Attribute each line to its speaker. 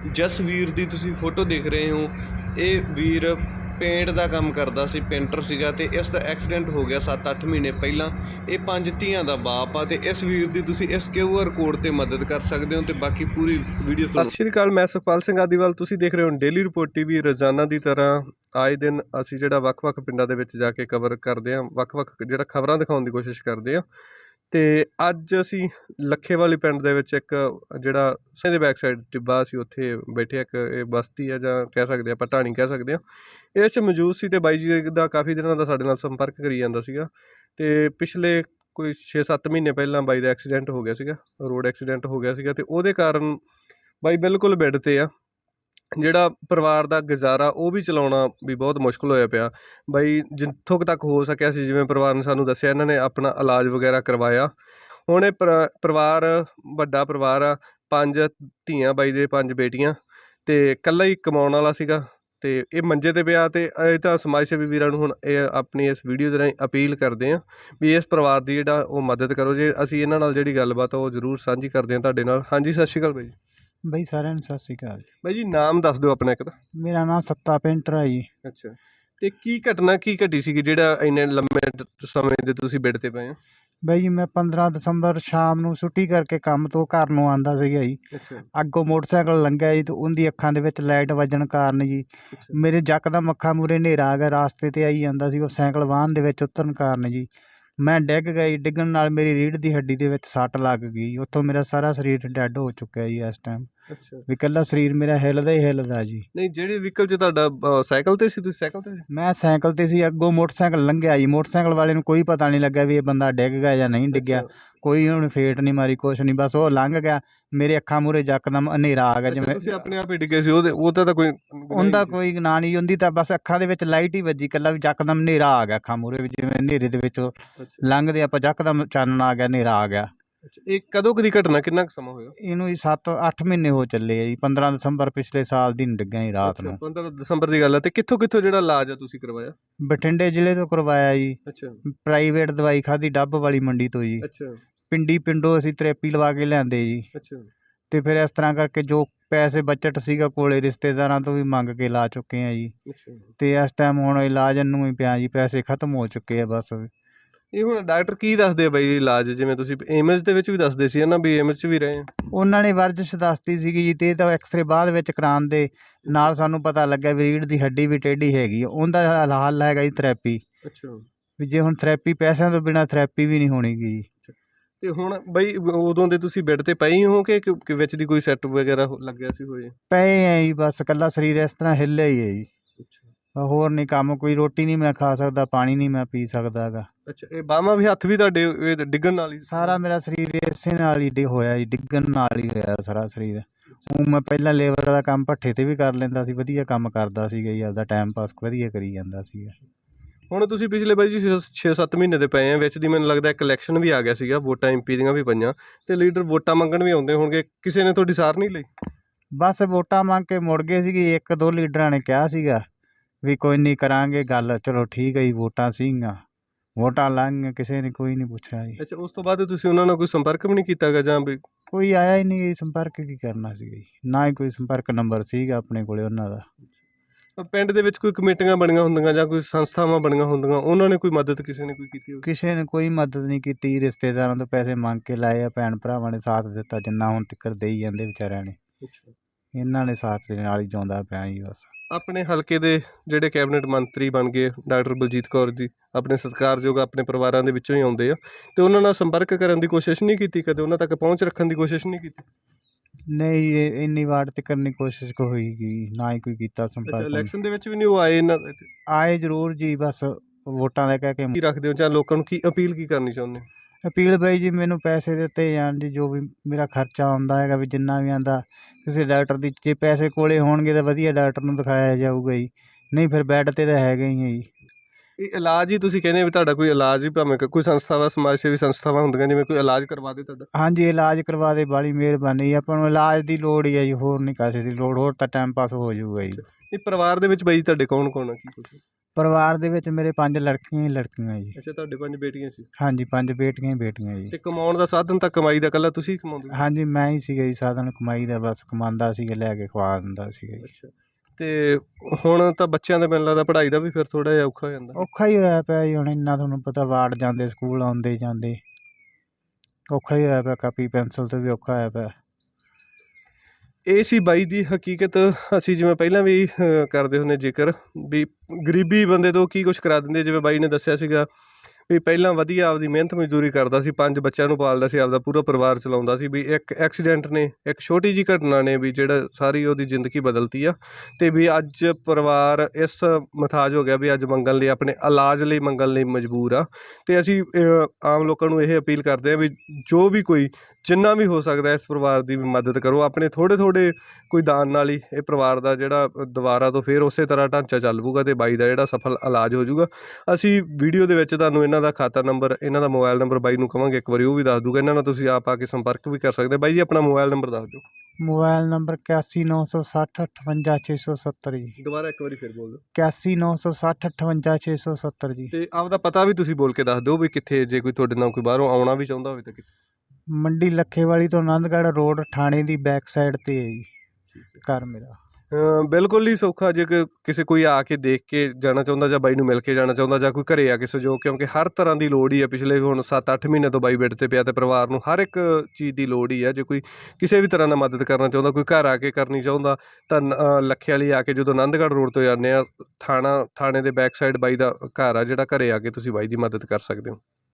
Speaker 1: ਜਿਸ ਵੀਰ ਦੀ ਤੁਸੀਂ ਫੋਟੋ ਦੇਖ ਰਹੇ ਹੋ, ਇਹ ਵੀਰ ਪੇਂਟ ਦਾ ਕੰਮ ਕਰਦਾ ਸੀ, ਪੇਂਟਰ ਸੀਗਾ ਅਤੇ ਇਸ ਦਾ ਐਕਸੀਡੈਂਟ ਹੋ ਗਿਆ 7-8 ਮਹੀਨੇ ਪਹਿਲਾਂ। ਇਹ 5 ਧੀਆਂ ਦਾ ਬਾਪ ਆ ਅਤੇ ਇਸ ਵੀਰ ਦੀ ਤੁਸੀਂ ਇਸ QR ਕੋਡ 'ਤੇ ਮਦਦ ਕਰ ਸਕਦੇ ਹੋ ਅਤੇ ਬਾਕੀ ਪੂਰੀ ਵੀਡੀਓ ਸੁਣੋ। ਸਤਿ ਸ਼੍ਰੀ ਅਕਾਲ, ਮੈਂ ਸੁਖਪਾਲ ਸਿੰਘ ਆਦੀਵਾਲ। ਤੁਸੀਂ ਦੇਖ ਰਹੇ ਹੋ ਡੇਲੀ ਰਿਪੋਰਟ TV। ਰੋਜ਼ਾਨਾ ਦੀ ਤਰ੍ਹਾਂ ਆਏ ਦਿਨ ਅਸੀਂ ਜਿਹੜਾ ਵੱਖ-ਵੱਖ ਪਿੰਡਾਂ ਦੇ ਵਿੱਚ ਜਾ ਕੇ ਕਵਰ ਕਰਦੇ ਹਾਂ, ਵੱਖ-ਵੱਖ ਜਿਹੜਾ ਖਬਰਾਂ ਦਿਖਾਉਣ ਦੀ ਕੋਸ਼ਿਸ਼ ਕਰਦੇ ਹਾਂ। ਅਤੇ ਅੱਜ ਅਸੀਂ ਲੱਖੇਵਾਲੀ ਪਿੰਡ ਦੇ ਵਿੱਚ ਇੱਕ ਜਿਹੜਾ ਦੇ ਬੈਕ ਸਾਈਡ ਟਿੱਬਾ ਅਸੀਂ ਉੱਥੇ ਬੈਠੇ, ਇੱਕ ਇਹ ਬਸਤੀ ਆ ਜਾਂ ਕਹਿ ਸਕਦੇ ਆਪਾਂ ਢਾਣੀ ਕਹਿ ਸਕਦੇ ਹਾਂ, ਇਹ 'ਚ ਮੌਜੂਦ ਸੀ। ਅਤੇ ਬਾਈ ਜੀ ਦਾ ਕਾਫੀ ਦਿਨਾਂ ਦਾ ਸਾਡੇ ਨਾਲ ਸੰਪਰਕ ਕਰੀ ਜਾਂਦਾ ਸੀਗਾ ਅਤੇ ਪਿਛਲੇ ਕੋਈ 6-7 ਮਹੀਨੇ ਪਹਿਲਾਂ ਬਾਈ ਦਾ ਐਕਸੀਡੈਂਟ ਹੋ ਗਿਆ ਸੀਗਾ, ਰੋਡ ਐਕਸੀਡੈਂਟ ਹੋ ਗਿਆ ਸੀਗਾ ਅਤੇ ਉਹਦੇ ਕਾਰਨ ਬਾਈ ਬਿਲਕੁਲ ਬੈੱਡ 'ਤੇ ਆ। ਜਿਹੜਾ ਪਰਿਵਾਰ ਦਾ ਗੁਜ਼ਾਰਾ ਉਹ ਵੀ ਚਲਾਉਣਾ ਵੀ ਬਹੁਤ ਮੁਸ਼ਕਿਲ ਹੋਇਆ ਪਿਆ। ਬਾਈ ਜਿੱਥੋਂ ਕੁ ਤੱਕ ਹੋ ਸਕਿਆ ਸੀ, ਜਿਵੇਂ ਪਰਿਵਾਰ ਨੇ ਸਾਨੂੰ ਦੱਸਿਆ, ਇਹਨਾਂ ਨੇ ਆਪਣਾ ਇਲਾਜ ਵਗੈਰਾ ਕਰਵਾਇਆ। ਹੁਣ ਇਹ ਪਰਿਵਾਰ ਵੱਡਾ ਪਰਿਵਾਰ ਆ, 5 ਧੀਆਂ ਬਾਈ ਦੇ, 5 ਬੇਟੀਆਂ, ਅਤੇ ਇਕੱਲਾ ਹੀ ਕਮਾਉਣ ਵਾਲਾ ਸੀਗਾ ਅਤੇ ਇਹ ਮੰਜੇ 'ਤੇ ਪਿਆ। ਅਤੇ ਇਹ ਤਾਂ ਸਮਾਜ ਸੇਵੀ ਵੀਰਾਂ ਨੂੰ ਹੁਣ ਇਹ ਆਪਣੀ ਇਸ ਵੀਡੀਓ ਦੇ ਰਾਹੀਂ ਅਪੀਲ ਕਰਦੇ ਹਾਂ ਵੀ ਇਸ ਪਰਿਵਾਰ ਦੀ ਜਿਹੜਾ ਉਹ ਮਦਦ ਕਰੋ। ਜੇ ਅਸੀਂ ਇਹਨਾਂ ਨਾਲ ਜਿਹੜੀ ਗੱਲਬਾਤ ਉਹ ਜ਼ਰੂਰ ਸਾਂਝੀ ਕਰਦੇ ਹਾਂ ਤੁਹਾਡੇ ਨਾਲ। ਹਾਂਜੀ, ਸਤਿ ਸ਼੍ਰੀ ਅਕਾਲ ਬਾਈ ਜੀ।
Speaker 2: ਬਾਈ ਸਾਰਿਆਂ ਨੂੰ ਸਤਿ ਸ਼੍ਰੀ ਅਕਾਲ।
Speaker 1: ਬਾਈ ਜੀ ਨਾਮ ਦੱਸ ਦਿਓ ਆਪਣਾ ਇੱਕ ਤਾਂ।
Speaker 2: ਮੇਰਾ ਨਾਮ ਸੱਤਾ ਪੇਂਟਰ ਆ ਜੀ।
Speaker 1: ਅੱਛਾ, ਅਤੇ ਕੀ ਘਟਨਾ ਕੀ ਘਟੀ ਸੀਗੀ ਜਿਹੜਾ ਇੰਨੇ ਲੰਮੇ ਸਮੇਂ ਦੇ ਤੁਸੀਂ ਬੈੱਡ 'ਤੇ ਪਏ ਹੋ?
Speaker 2: ਬਾਈ ਜੀ ਮੈਂ 15 ਦਸੰਬਰ ਸ਼ਾਮ ਨੂੰ ਛੁੱਟੀ ਕਰਕੇ ਕੰਮ ਤੋਂ ਘਰ ਨੂੰ ਆਉਂਦਾ ਸੀਗਾ ਜੀ।
Speaker 1: ਅੱਛਾ
Speaker 2: ਅੱਗੋਂ ਮੋਟਰਸਾਈਕਲ ਲੰਘਿਆ ਜੀ, ਅਤੇ ਉਹਦੀ ਅੱਖਾਂ ਦੇ ਵਿੱਚ ਲਾਈਟ ਵੱਜਣ ਕਾਰਨ ਜੀ ਮੇਰੇ ਯਕਦਮ ਅੱਖਾਂ ਮੂਹਰੇ ਹਨੇਰਾ ਆ ਗਿਆ। ਰਾਸਤੇ 'ਤੇ ਆਈ ਜਾਂਦਾ ਸੀ, ਉਹ ਸਾਈਕਲ ਵਾਹਨ ਦੇ ਵਿੱਚ ਉਤਰਨ ਕਾਰਨ ਜੀ ਮੈਂ ਡਿੱਗ ਗਿਆ ਜੀ। ਡਿੱਗਣ ਨਾਲ ਮੇਰੀ ਰੀੜ੍ਹ ਦੀ ਹੱਡੀ ਦੇ ਵਿੱਚ ਸੱਟ ਲੱਗ ਗਈ। ਉੱਥੋਂ ਮੇਰਾ ਸਾਰਾ ਸਰੀਰ ਡੈੱਡ ਹੋ ਚੁੱਕਿਆ ਜੀ ਇਸ ਟਾਈਮ।
Speaker 1: ਅੱਛਾ,
Speaker 2: ਵੀ ਇਕੱਲਾ ਸਰੀਰ ਮੇਰਾ ਹਿੱਲਦਾ ਹੀ ਹਿੱਲਦਾ ਜੀ।
Speaker 1: ਨਹੀਂ ਜਿਹੜੇ ਵਹੀਕਲ 'ਚ ਤੁਹਾਡਾ ਸਾਈਕਲ 'ਤੇ ਸੀ, ਤੁਸੀਂ ਸਾਈਕਲ 'ਤੇ ਸੀ?
Speaker 2: ਮੈਂ ਸਾਈਕਲ 'ਤੇ ਸੀ, ਅੱਗੋਂ ਮੋਟਰਸਾਈਕਲ ਲੰਘਿਆ ਜੀ। ਮੋਟਰਸਾਈਕਲ ਵਾਲੇ ਨੂੰ ਕੋਈ ਪਤਾ ਨਹੀਂ ਲੱਗਿਆ ਵੀ ਇਹ ਬੰਦਾ ਡਿੱਗ ਗਿਆ ਜਾਂ ਨਹੀਂ ਡਿੱਗਿਆ। ਕੋਈ ਉਹਨੇ ਫੇਟ ਨਹੀਂ ਮਾਰੀ, ਕੁਛ ਨਹੀਂ, ਬਸ ਉਹ ਲੰਘ ਗਿਆ। ਮੇਰੇ ਅੱਖਾਂ ਮੂਹਰੇ ਯਕਦਮ ਹਨੇਰਾ ਆ ਗਿਆ। ਜਿਵੇਂ
Speaker 1: ਤੁਸੀਂ ਆਪਣੇ ਆਪ ਹੀ ਡਿੱਗੇ ਸੀ, ਉਹਦਾ ਤਾਂ ਕੋਈ
Speaker 2: ਉਹਦਾ ਕੋਈ ਨਾਂ ਨਹੀਂ, ਉਹਦੀ ਤਾਂ ਬਸ ਅੱਖਾਂ ਦੇ ਵਿੱਚ ਲਾਈਟ ਹੀ ਵੱਜੀ, ਇਕੱਲਾ ਵੀ ਯਕਦਮ ਹਨੇਰਾ ਆ ਗਿਆ ਅੱਖਾਂ ਮੂਹਰੇ। ਜਿਵੇਂ ਹਨੇਰੇ ਦੇ ਵਿੱਚੋਂ ਲੰਘਦੇ ਆਪਾਂ ਯਕਦਮ ਚਾਨਣ ਆ ਗਿਆ, ਹਨੇਰਾ ਆ ਗਿਆ।
Speaker 1: ਇਹ ਕਦੋਂ ਕਦੀ ਘਟਨਾ, ਕਿੰਨਾ ਕੁ ਸਮਾਂ ਹੋਇਆ
Speaker 2: ਇਹਨੂੰ ਜੀ 7-8 ਮਹੀਨੇ ਹੋ ਚੱਲੇ ਆ ਜੀ। 15 ਦਸੰਬਰ ਪਿਛਲੇ ਸਾਲ ਦੀ ਨੂੰ ਡਿੱਗਾ ਜੀ ਰਾਤ ਨੂੰ।
Speaker 1: 15 ਦਸੰਬਰ ਦੀ ਗੱਲ ਹੈ। ਅਤੇ ਕਿੱਥੋਂ ਕਿੱਥੋਂ ਜਿਹੜਾ ਇਲਾਜ ਆ ਤੁਸੀਂ ਕਰਵਾਇਆ?
Speaker 2: ਬਠਿੰਡੇ ਜ਼ਿਲ੍ਹੇ ਤੋਂ ਕਰਵਾਇਆ ਜੀ।
Speaker 1: ਅੱਛਾ,
Speaker 2: ਪ੍ਰਾਈਵੇਟ ਦਵਾਈ ਖਾਧੀ ਡੱਬ ਵਾਲੀ ਮੰਡੀ ਤੋਂ ਜੀ।
Speaker 1: ਅੱਛਾ,
Speaker 2: ਪਿੰਡੋਂ ਅਸੀਂ ਥੈਰੇਪੀ ਲਵਾ ਕੇ ਲਿਆਂਦੇ ਜੀ।
Speaker 1: ਅੱਛਾ,
Speaker 2: ਅਤੇ ਫਿਰ ਇਸ ਤਰ੍ਹਾਂ ਕਰਕੇ ਜੋ ਪੈਸੇ ਬਚਤ ਸੀਗਾ ਕੋਲੇ, ਰਿਸ਼ਤੇਦਾਰਾਂ ਤੋਂ ਵੀ ਮੰਗ ਕੇ ਲਾ ਚੁੱਕੇ ਹਾਂ ਜੀ।
Speaker 1: ਅੱਛਾ।
Speaker 2: ਅਤੇ ਇਸ ਟਾਈਮ ਹੁਣ ਇਲਾਜ ਨੂੰ ਹੀ ਪਿਆ ਜੀ, ਪੈਸੇ ਖਤਮ ਹੋ ਚੁੱਕੇ ਆ ਬਸ।
Speaker 1: ਇਹ ਹੁਣ ਡਾਕਟਰ ਕੀ ਦੱਸਦੇ ਆ ਬਾਈ ਇਲਾਜ? ਜਿਵੇਂ ਤੁਸੀਂ ਏਮਜ਼ ਦੇ ਵਿੱਚ ਵੀ ਦੱਸਦੇ ਸੀ ਨਾ, ਵੀ ਏਮਜ਼ 'ਚ ਵੀ ਰਹੇ ਆ।
Speaker 2: ਉਹਨਾਂ ਨੇ ਵਰਜਿਸ਼ ਦੱਸਤੀ ਸੀਗੀ ਜੀ, ਅਤੇ ਇਹ ਤਾਂ ਐਕਸਰੇ ਬਾਅਦ ਵਿੱਚ ਕਰਾਉਣ ਦੇ ਨਾਲ ਸਾਨੂੰ ਪਤਾ ਲੱਗਿਆ ਵੀ ਰੀੜ੍ਹ ਦੀ ਹੱਡੀ ਵੀ ਟੇਢੀ ਹੈਗੀ। ਉਹਦਾ ਹੱਲ ਹੈਗਾ ਜੀ ਥੈਰੇਪੀ।
Speaker 1: ਅੱਛਾ,
Speaker 2: ਵੀ ਜੇ ਹੁਣ ਥੈਰੇਪੀ, ਪੈਸਿਆਂ ਤੋਂ ਬਿਨਾਂ ਥੈਰੇਪੀ ਵੀ ਨਹੀਂ ਹੋਣੀ ਗੀ ਜੀ।
Speaker 1: ਅਤੇ ਹੁਣ ਬਾਈ ਉਦੋਂ ਦੇ ਤੁਸੀਂ ਬੈੱਡ 'ਤੇ ਪਏ ਹੋ ਕਿ ਵਿੱਚ ਦੀ ਕੋਈ ਸੈੱਟ ਵਗੈਰਾ ਲੱਗਿਆ ਸੀ ਹੋਏ?
Speaker 2: ਪਏ ਆ ਜੀ, ਬਸ ਇਕੱਲਾ ਸਰੀਰ ਇਸ ਤਰ੍ਹਾਂ ਹਿੱਲਿਆ ਹੀ ਹੈ ਜੀ। ਹੋਰ ਨਹੀਂ ਕੰਮ, ਕੋਈ ਰੋਟੀ ਨਹੀਂ ਮੈਂ ਖਾ ਸਕਦਾ, ਪਾਣੀ ਨਹੀਂ ਮੈਂ ਪੀ ਸਕਦਾ ਹੈਗਾ।
Speaker 1: ਅੱਛਾ, ਇਹ ਬਾਹਾਂ ਵੀ ਹੱਥ ਵੀ ਤੁਹਾਡੇ ਇਹ ਡਿੱਗਣ ਨਾਲ ਹੀ?
Speaker 2: ਸਾਰਾ ਮੇਰਾ ਸਰੀਰ ਇਸੇ ਨਾਲ ਹੀ ਹੋਇਆ ਜੀ, ਡਿੱਗਣ ਨਾਲ ਹੀ ਹੋਇਆ ਸਾਰਾ ਸਰੀਰ। ਉਹ ਮੈਂ ਪਹਿਲਾਂ ਲੇਬਰ ਦਾ ਕੰਮ ਭੱਠੇ 'ਤੇ ਵੀ ਕਰ ਲੈਂਦਾ ਸੀ, ਵਧੀਆ ਕੰਮ ਕਰਦਾ ਸੀਗਾ ਜੀ, ਆਪਦਾ ਟਾਈਮ ਪਾਸ ਵਧੀਆ ਕਰੀ ਜਾਂਦਾ ਸੀਗਾ।
Speaker 1: ਹੁਣ ਤੁਸੀਂ ਪਿਛਲੇ ਬਾਈ ਜੀ 6-7 ਮਹੀਨੇ ਦੇ ਪਏ ਆ, ਵਿੱਚ ਦੀ ਮੈਨੂੰ ਲੱਗਦਾ ਇੱਕ ਇਲੈਕਸ਼ਨ ਵੀ ਆ ਗਿਆ ਸੀਗਾ, ਵੋਟਾਂ MP ਦੀਆਂ ਵੀ ਪਈਆਂ, ਅਤੇ ਲੀਡਰ ਵੋਟਾਂ ਮੰਗਣ ਵੀ ਆਉਂਦੇ ਹੋਣਗੇ। ਕਿਸੇ ਨੇ ਤੁਹਾਡੀ ਸਾਰ ਨਹੀਂ ਲਈ?
Speaker 2: ਬਸ ਵੋਟਾਂ ਮੰਗ ਕੇ ਮੁੜ ਗਏ ਸੀਗੇ। 1-2 ਲੀਡਰਾਂ ਨੇ ਕਿਹਾ ਸੀਗਾ ਵੀ ਕੋਈ ਨਹੀਂ ਕਰਾਂਗੇ ਗੱਲ, ਚਲੋ ਠੀਕ ਹੈ ਜੀ। ਵੋਟਾਂ ਸੀਗੀਆਂ, ਵੋਟਾਂ ਲੰਘ, ਕਿਸੇ ਨੇ ਕੋਈ ਨਹੀਂ ਪੁੱਛਿਆ ਜੀ।
Speaker 1: ਅੱਛਾ, ਉਸ ਤੋਂ ਬਾਅਦ ਤੁਸੀਂ ਉਹਨਾਂ ਨਾਲ ਕੋਈ ਸੰਪਰਕ ਵੀ ਨਹੀਂ ਕੀਤਾ ਗਾ ਜਾਂ ਵੀ?
Speaker 2: ਕੋਈ ਆਇਆ ਹੀ ਨਹੀਂ ਜੀ, ਸੰਪਰਕ ਕੀ ਕਰਨਾ ਸੀਗਾ ਜੀ, ਨਾ ਹੀ ਕੋਈ ਸੰਪਰਕ ਨੰਬਰ ਸੀਗਾ ਆਪਣੇ ਕੋਲੇ ਉਹਨਾਂ ਦਾ।
Speaker 1: ਪਿੰਡ ਦੇ ਵਿੱਚ ਕੋਈ ਕਮੇਟੀਆਂ ਬਣੀਆਂ ਹੁੰਦੀਆਂ ਜਾਂ ਕੋਈ ਸੰਸਥਾਵਾਂ ਬਣੀਆਂ ਹੁੰਦੀਆਂ, ਉਹਨਾਂ ਨੇ ਕੋਈ ਮਦਦ ਕਿਸੇ ਨੇ ਕੋਈ ਕੀਤੀ ਹੋਵੇ?
Speaker 2: ਕਿਸੇ ਨੇ ਕੋਈ ਮਦਦ ਨਹੀਂ ਕੀਤੀ। ਰਿਸ਼ਤੇਦਾਰਾਂ ਤੋਂ ਪੈਸੇ ਮੰਗ ਕੇ ਲਾਏ ਆ, ਭੈਣ ਭਰਾਵਾਂ ਨੇ ਸਾਥ ਦਿੱਤਾ ਜਿੰਨਾ ਹੁਣ ਤੱਕ ਦੇਈ ਜਾਂਦੇ ਵਿਚਾਰਿਆਂ ਨੇ।
Speaker 1: ਅੱਛਾ,
Speaker 2: ਇਹਨਾਂ ਨੇ ਸਾਥ ਦੇ ਨਾਲ ਹੀ ਜਿਉਂਦਾ ਪਿਆ ਜੀ ਬਸ।
Speaker 1: ਆਪਣੇ ਹਲਕੇ ਦੇ ਜਿਹੜੇ ਕੈਬਨਿਟ ਮੰਤਰੀ ਬਣ ਗਏ, ਡਾਕਟਰ ਬਲਜੀਤ ਕੌਰ ਜੀ, ਆਪਣੇ ਸਤਿਕਾਰਯੋਗ ਆਪਣੇ ਪਰਿਵਾਰਾਂ ਦੇ ਵਿੱਚੋਂ ਹੀ ਆਉਂਦੇ ਆ, ਅਤੇ ਉਹਨਾਂ ਨਾਲ ਸੰਪਰਕ ਕਰਨ ਦੀ ਕੋਸ਼ਿਸ਼ ਨਹੀਂ ਕੀਤੀ ਕਦੇ? ਉਹਨਾਂ ਤੱਕ ਪਹੁੰਚ ਰੱਖਣ ਦੀ ਕੋਸ਼ਿਸ਼ ਨਹੀਂ ਕੀਤੀ?
Speaker 2: ਨਹੀਂ, ਇੰਨੀ ਵਾਰ ਤੱਕ ਨਹੀਂ ਕੋਸ਼ਿਸ਼ ਹੋਈ, ਨਾ ਹੀ ਕੋਈ ਕੀਤਾ ਸੰਪਰਕ।
Speaker 1: ਇਲੈਕਸ਼ਨ ਦੇ ਵਿੱਚ ਵੀ ਨਹੀਂ ਉਹ ਆਏ? ਇਹਨਾਂ
Speaker 2: ਆਏ ਜ਼ਰੂਰ ਜੀ, ਬਸ ਵੋਟਾਂ ਦਾ ਕਹਿ ਕੇ।
Speaker 1: ਕੀ ਰੱਖਦੇ ਹੋ ਜਾਂ ਲੋਕਾਂ ਨੂੰ ਕੀ ਅਪੀਲ ਕੀ ਕਰਨੀ ਚਾਹੁੰਦੇ ਹੋ?
Speaker 2: ਅਪੀਲ ਬਾਈ ਜੀ, ਮੈਨੂੰ ਪੈਸੇ ਦਿੱਤੇ ਜਾਣ ਜੀ, ਜੋ ਵੀ ਮੇਰਾ ਖਰਚਾ ਆਉਂਦਾ ਹੈਗਾ, ਵੀ ਜਿੰਨਾ ਵੀ ਆਉਂਦਾ ਕਿਸੇ ਡਾਕਟਰ ਦੀ, ਜੇ ਪੈਸੇ ਕੋਲੇ ਹੋਣਗੇ ਤਾਂ ਵਧੀਆ ਡਾਕਟਰ ਨੂੰ ਦਿਖਾਇਆ ਜਾਊਗਾ ਜੀ, ਨਹੀਂ ਫਿਰ ਬੈੱਡ 'ਤੇ ਤਾਂ ਹੈਗਾ ਹੀ ਹੈ ਜੀ।
Speaker 1: ਇਹ ਇਲਾਜ ਹੀ ਤੁਸੀਂ ਕਹਿੰਦੇ ਵੀ ਤੁਹਾਡਾ ਕੋਈ ਇਲਾਜ ਹੀ, ਭਾਵੇਂ ਕੋਈ ਸੰਸਥਾਵਾਂ, ਸਮਾਜ ਸੇਵੀ ਸੰਸਥਾਵਾਂ ਹੁੰਦੀਆਂ, ਜਿਵੇਂ ਕੋਈ ਇਲਾਜ ਕਰਵਾ ਦੇ ਤੁਹਾਡਾ?
Speaker 2: ਹਾਂਜੀ, ਇਲਾਜ ਕਰਵਾ ਦੇ, ਬਾਹਲੀ ਮਿਹਰਬਾਨੀ। ਆਪਾਂ ਨੂੰ ਇਲਾਜ ਦੀ ਲੋੜ ਹੀ ਹੈ ਜੀ, ਹੋਰ ਨਹੀਂ ਕਾਸੇ ਦੀ ਲੋੜ, ਹੋਰ ਤਾਂ ਟਾਈਮ ਪਾਸ ਹੋ ਜਾਊਗਾ ਜੀ।
Speaker 1: ਇਹ ਪਰਿਵਾਰ ਦੇ ਵਿੱਚ ਬਾਈ ਤੁਹਾਡੇ ਕੌਣ ਕੌਣ ਆ, ਕੀ ਕੁਛ?
Speaker 2: ਪਰਿਵਾਰ ਦੇ ਵਿੱਚ ਮੇਰੇ 5 ਲੜਕੀਆਂ ਹੀ ਲੜਕੀਆਂ ਜੀ।
Speaker 1: ਅੱਛਾ, ਤੁਹਾਡੇ 5 ਬੇਟੀਆਂ ਸੀ
Speaker 2: ਹਾਂਜੀ 5 ਬੇਟੀਆਂ ਹੀ ਬੇਟੀਆਂ ਜੀ।
Speaker 1: ਤੇ ਕਮਾਉਣ ਦਾ ਸਾਧਨ ਤਾਂ ਕਮਾਈ ਦਾ ਇਕੱਲਾ ਤੁਸੀਂ ਹੀ ਕਮਾਉਂਦੇ ਹੋ?
Speaker 2: ਹਾਂਜੀ ਮੈਂ ਹੀ ਸੀਗਾ ਜੀ ਸਾਧਨ ਕਮਾਈ ਦਾ, ਬਸ ਕਮਾਉਂਦਾ ਸੀਗਾ, ਲੈ ਕੇ ਖਵਾ ਦਿੰਦਾ ਸੀਗਾ ਜੀ।
Speaker 1: ਅੱਛਾ, ਤੇ ਹੁਣ ਤਾਂ ਬੱਚਿਆਂ ਦਾ ਮੈਨੂੰ ਲੱਗਦਾ ਪੜ੍ਹਾਈ ਦਾ ਵੀ ਫਿਰ ਥੋੜਾ ਜਿਹਾ ਔਖਾ ਹੋ ਜਾਂਦਾ।
Speaker 2: ਔਖਾ ਹੀ ਹੋਇਆ ਪਿਆ ਜੀ ਹੁਣ, ਇੰਨਾ ਤੁਹਾਨੂੰ ਪਤਾ ਵਾਰਡ ਜਾਂਦੇ ਸਕੂਲ ਆਉਂਦੇ ਜਾਂਦੇ, ਔਖਾ ਹੀ ਹੋਇਆ ਪਿਆ, ਕਾਪੀ ਪੈਨਸਲ ਤੋਂ ਵੀ ਔਖਾ ਹੋਇਆ ਪਿਆ।
Speaker 1: ਇਹ ਸੀ ਬਾਈ ਦੀ ਹਕੀਕਤ। ਅਸੀਂ ਜਿਵੇਂ ਪਹਿਲਾਂ ਵੀ ਕਰਦੇ ਹੁੰਦੇ ਜ਼ਿਕਰ ਵੀ ਗਰੀਬੀ ਬੰਦੇ ਤੋਂ ਕੀ ਕੁਛ ਕਰਾ ਦਿੰਦੇ। ਜਿਵੇਂ ਬਾਈ ਨੇ ਦੱਸਿਆ ਸੀਗਾ ਵੀ ਪਹਿਲਾਂ ਵਧੀਆ ਆਪਦੀ ਮਿਹਨਤ ਮਜ਼ਦੂਰੀ ਕਰਦਾ ਸੀ, 5 ਬੱਚਿਆਂ ਨੂੰ ਪਾਲਦਾ ਸੀ, ਆਪਦਾ ਪੂਰਾ ਪਰਿਵਾਰ ਚਲਾਉਂਦਾ ਸੀ, ਵੀ ਇੱਕ ਐਕਸੀਡੈਂਟ ਨੇ, ਇੱਕ ਛੋਟੀ ਜਿਹੀ ਘਟਨਾ ਨੇ ਵੀ ਜਿਹੜਾ ਸਾਰੀ ਉਹਦੀ ਜ਼ਿੰਦਗੀ ਬਦਲਤੀ ਆ। ਅਤੇ ਵੀ ਅੱਜ ਪਰਿਵਾਰ ਇਸ ਮੁਹਤਾਜ ਹੋ ਗਿਆ ਵੀ ਅੱਜ ਮੰਗਣ ਲਈ, ਆਪਣੇ ਇਲਾਜ ਲਈ ਮੰਗਣ ਲਈ ਮਜਬੂਰ ਆ। ਅਤੇ ਅਸੀਂ ਆਮ ਲੋਕਾਂ ਨੂੰ ਇਹ ਅਪੀਲ ਕਰਦੇ ਹਾਂ ਵੀ ਜੋ ਵੀ ਕੋਈ ਜਿੰਨਾ ਵੀ ਹੋ ਸਕਦਾ ਇਸ ਪਰਿਵਾਰ ਦੀ ਵੀ ਮਦਦ ਕਰੋ। ਆਪਣੇ ਥੋੜ੍ਹੇ ਥੋੜ੍ਹੇ ਕੋਈ ਦਾਨ ਨਾਲ ਹੀ ਇਹ ਪਰਿਵਾਰ ਦਾ ਜਿਹੜਾ ਦੁਬਾਰਾ ਤੋਂ ਫਿਰ ਉਸੇ ਤਰ੍ਹਾਂ ਢਾਂਚਾ ਚੱਲ ਪਊਗਾ ਅਤੇ ਬਾਈ ਦਾ ਜਿਹੜਾ ਸਫਲ ਇਲਾਜ ਹੋ ਜਾਊਗਾ। ਅਸੀਂ ਵੀਡੀਓ ਦੇ ਵਿੱਚ ਤੁਹਾਨੂੰ ਇਹਨਾਂ ਦਾ ਖਾਤਾ ਨੰਬਰ, ਇਹਨਾਂ ਦਾ ਮੋਬਾਈਲ ਨੰਬਰ ਬਾਈ ਨੂੰ ਕਹਾਂਗੇ ਇੱਕ ਵਾਰੀ ਉਹ ਵੀ ਦੱਸ ਦੂਗਾ। ਇਹਨਾਂ ਨਾਲ ਤੁਸੀਂ ਆਪ ਆ ਕੇ ਸੰਪਰਕ ਵੀ ਕਰ ਸਕਦੇ। ਬਾਈ ਜੀ ਆਪਣਾ ਮੋਬਾਈਲ ਨੰਬਰ ਦੱਸ ਦਿਓ।
Speaker 2: ਮੋਬਾਈਲ ਨੰਬਰ 8196 58670 ਜੀ।
Speaker 1: ਦੁਬਾਰਾ ਇੱਕ ਵਾਰੀ ਫਿਰ ਬੋਲ ਦਿਓ।
Speaker 2: 8196 58670 ਜੀ।
Speaker 1: ਅਤੇ ਆਪਦਾ ਪਤਾ ਵੀ ਤੁਸੀਂ ਬੋਲ ਕੇ ਦੱਸ ਦਿਓ ਵੀ ਕਿੱਥੇ, ਜੇ ਕੋਈ ਤੁਹਾਡੇ ਨਾਲ ਕੋਈ ਬਾਹਰੋਂ ਆਉਣਾ ਵੀ ਚਾਹੁੰਦਾ ਹੋਵੇ ਤਾਂ ਕਿੱਥੇ?
Speaker 2: ਮੰਡੀ ਲੱਖੇਵਾਲੀ ਤੋਂ ਆਨੰਦਗੜ੍ਹ ਰੋਡ, ਥਾਣੇ ਦੀ ਬੈਕ ਸਾਈਡ 'ਤੇ ਹੈ ਜੀ ਘਰ ਮੇਰਾ।
Speaker 1: ਬਿਲਕੁਲ ਹੀ ਸੌਖਾ। ਜੇ ਕਿਸੇ ਕੋਈ ਆ ਕੇ ਦੇਖ ਕੇ ਜਾਣਾ ਚਾਹੁੰਦਾ ਜਾਂ ਬਾਈ ਨੂੰ ਮਿਲ ਕੇ ਜਾਣਾ ਚਾਹੁੰਦਾ ਜਾਂ ਕੋਈ ਘਰੇ ਆ ਕੇ ਸਹਿਯੋਗ, ਕਿਉਂਕਿ ਹਰ ਤਰ੍ਹਾਂ ਦੀ ਲੋੜ ਹੀ ਆ। ਪਿਛਲੇ ਹੁਣ 7-8 ਮਹੀਨੇ ਤੋਂ ਬਾਈ ਬੈੱਡ 'ਤੇ ਪਿਆ ਅਤੇ ਪਰਿਵਾਰ ਨੂੰ ਹਰ ਇੱਕ ਚੀਜ਼ ਦੀ ਲੋੜ ਹੀ ਆ। ਜੇ ਕੋਈ ਕਿਸੇ ਵੀ ਤਰ੍ਹਾਂ ਨਾਲ ਮਦਦ ਕਰਨਾ ਚਾਹੁੰਦਾ, ਕੋਈ ਘਰ ਆ ਕੇ ਕਰਨੀ ਚਾਹੁੰਦਾ ਤਾਂ ਲੱਖੇ ਵਾਲੀ ਆ ਕੇ ਜਦੋਂ ਆਨੰਦਗੜ੍ਹ ਰੋਡ ਤੋਂ ਜਾਂਦੇ ਆ, ਥਾਣੇ ਦੇ ਬੈਕ ਸਾਈਡ ਬਾਈ ਦਾ ਘਰ ਆ, ਜਿਹੜਾ ਘਰੇ ਆ ਕੇ ਤੁਸੀਂ ਬਾਈ ਦੀ ਮਦਦ ਕਰ ਸਕਦੇ ਹੋ।